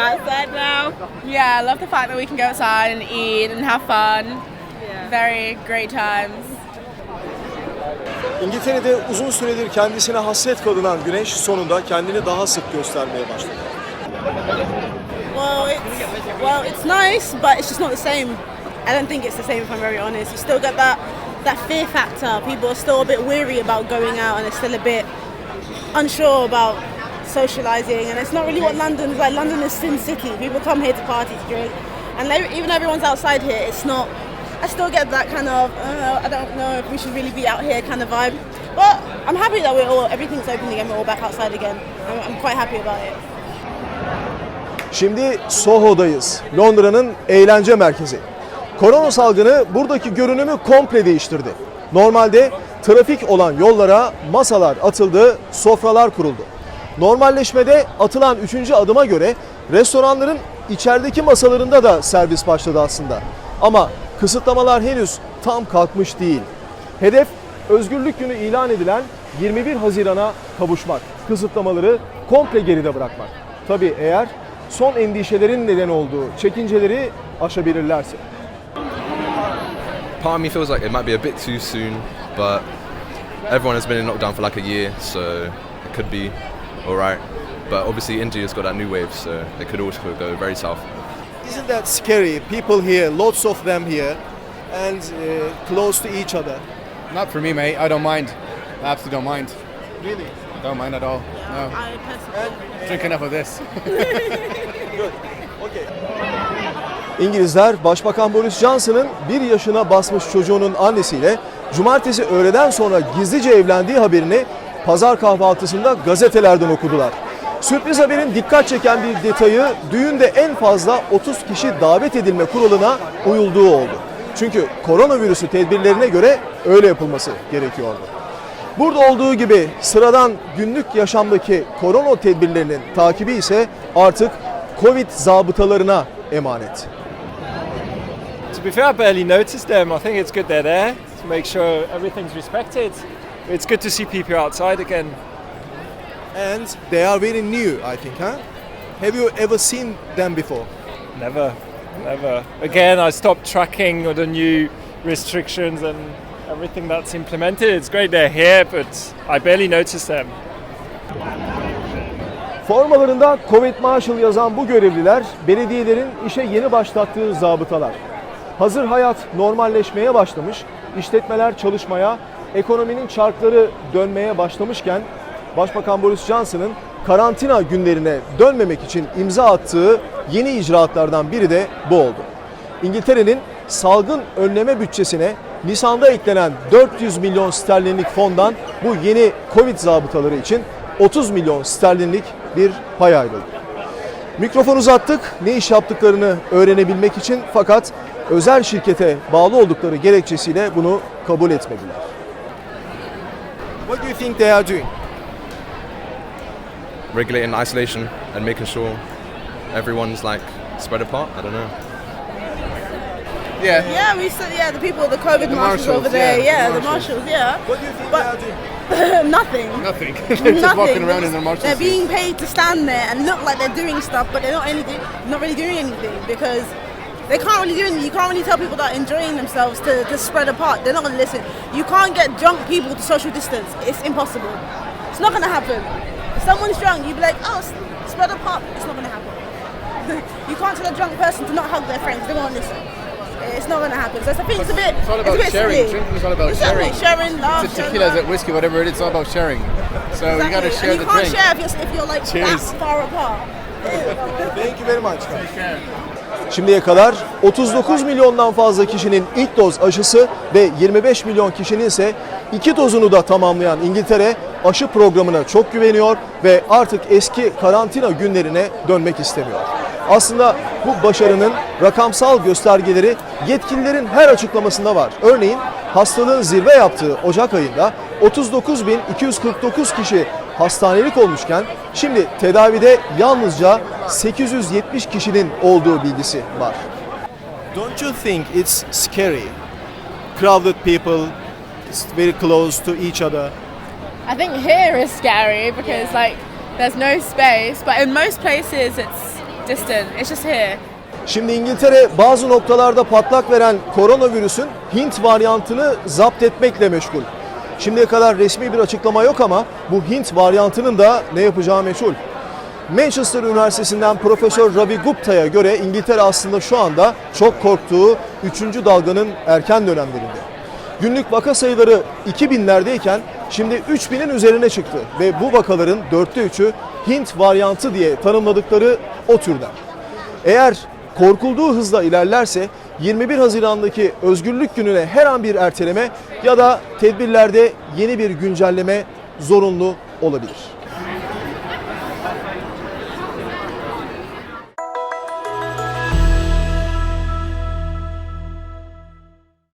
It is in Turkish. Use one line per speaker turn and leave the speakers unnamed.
outside now. Yeah, I love the fact that we can go outside and eat and have fun. Yeah. Very great times.
İngiltere'de uzun süredir kendisine hasret kalınan güneş sonunda kendini daha sık göstermeye başladı.
Well, it's nice, but it's just not the same. I don't think it's the same if I'm very honest. You still get that fear factor. People are still a bit weary about going out, and they're still a bit unsure about socialising. And it's not really what London's like. London is Sin City. People come here to party, to drink, and even everyone's outside here. It's not. I still get that kind of I don't know if we should really be out here kind of vibe. But I'm happy that everything's open again. We're all back outside again. I'm quite happy about it.
Şimdi Soho'dayız, Londra'nın eğlence merkezi. Korona salgını buradaki görünümü komple değiştirdi. Normalde trafik olan yollara masalar atıldı, sofralar kuruldu. Normalleşmede atılan 3. adıma göre restoranların içerideki masalarında da servis başladı aslında. Ama kısıtlamalar henüz tam kalkmış değil. Hedef Özgürlük Günü ilan edilen 21 Haziran'a kavuşmak, kısıtlamaları komple geride bırakmak. Tabii eğer son endişelerin neden olduğu çekinceleri aşabilirlerse.
Part of me feels like it might be a bit too soon, but everyone has been in lockdown for like a year, so it could be alright. But obviously India's got that new wave, so it could also go very south.
Isn't that scary? People here, lots of them here, and close to each other.
Not for me, mate. I don't mind. I absolutely don't mind.
Really?
Don't mind at all. No.
I personally
Drink enough of this.
Good. Okay. İngilizler Başbakan Boris Johnson'ın 1 yaşına basmış çocuğunun annesiyle cumartesi öğleden sonra gizlice evlendiği haberini pazar kahvaltısında gazetelerden okudular. Sürpriz haberin dikkat çeken bir detayı düğünde en fazla 30 kişi davet edilme kuralına uyulduğu oldu. Çünkü koronavirüsü tedbirlerine göre öyle yapılması gerekiyordu. Burada olduğu gibi sıradan günlük yaşamdaki korona tedbirlerinin takibi ise artık Covid zabıtalarına emanet.
To be fair, I barely noticed them. I think it's good they're there to make sure everything's respected. It's good to see people outside again.
And they are very new, I think, huh? Have you ever seen them before?
Never. Again, I stopped tracking all the new restrictions and everything that's implemented. It's great they're here, but I barely noticed them.
Formalarında Covid Marshal yazan bu görevliler, belediyelerin işe yeni başlattığı zabıtalar. Hazır hayat normalleşmeye başlamış, işletmeler çalışmaya, ekonominin çarkları dönmeye başlamışken, Başbakan Boris Johnson'ın karantina günlerine dönmemek için imza attığı yeni icraatlardan biri de bu oldu. İngiltere'nin salgın önleme bütçesine Nisan'da eklenen 400 milyon sterlinlik fondan bu yeni Covid zabıtaları için 30 milyon sterlinlik bir pay ayrıldı. Mikrofon uzattık, ne iş yaptıklarını öğrenebilmek için, fakat özel şirkete bağlı oldukları gerekçesiyle bunu kabul etmediler. What do you think they are doing?
Regulating isolation and making sure everyone's like spread apart. I don't know.
Yeah.
Yeah, the people, the COVID marshals over there. Yeah, the marshals. Yeah.
What do you think they are doing?
Nothing.
Nothing. Just walking around in their marshals.
They're being paid to stand there and look like they're doing stuff, but they're not really doing anything because they can't really do anything. You can't really tell people that are enjoying themselves to spread apart. They're not going to listen. You can't get drunk people to social distance. It's impossible. It's not going to happen. If someone's drunk, you'd be like, oh, spread apart. It's not going to happen. You can't tell a drunk person to not hug their friends. They won't listen. It's not going to happen. So I think it's a bit.
It's all about sharing.
Silly.
Drinking is all about sharing.
Sharing, love.
It's tequila, is it whiskey, whatever it is. It's all about sharing. So you got to share
and
the
you can't
drink.
share if you're like
Cheers.
that far apart.
Thank you very much. Şimdiye kadar 39 milyondan fazla kişinin ilk doz aşısı ve 25 milyon kişinin ise 2 dozunu da tamamlayan İngiltere aşı programına çok güveniyor ve artık eski karantina günlerine dönmek istemiyor. Aslında bu başarının rakamsal göstergeleri yetkililerin her açıklamasında var. Örneğin hastalığın zirve yaptığı Ocak ayında 39.249 kişi hastanelik olmuşken şimdi tedavide yalnızca 870 kişinin olduğu bilgisi var. Don't you think it's scary? Crowded people, very close to each other.
I think here is scary because like there's no space, but in most places it's distant. It's just here.
Şimdi İngiltere bazı noktalarda patlak veren koronavirüsün Hint varyantını zapt etmekle meşgul. Şimdiye kadar resmi bir açıklama yok ama bu Hint varyantının da ne yapacağı meçhul. Manchester Üniversitesi'nden Profesör Ravi Gupta'ya göre İngiltere aslında şu anda çok korktuğu 3. dalganın erken dönemlerinde. Günlük vaka sayıları 2000'lerdeyken şimdi 3000'in üzerine çıktı ve bu vakaların 3'ü Hint varyantı diye tanımladıkları o türden. Eğer korkulduğu hızla ilerlerse 21 Haziran'daki Özgürlük Günü'ne her an bir erteleme ya da tedbirlerde yeni bir güncelleme zorunlu olabilir.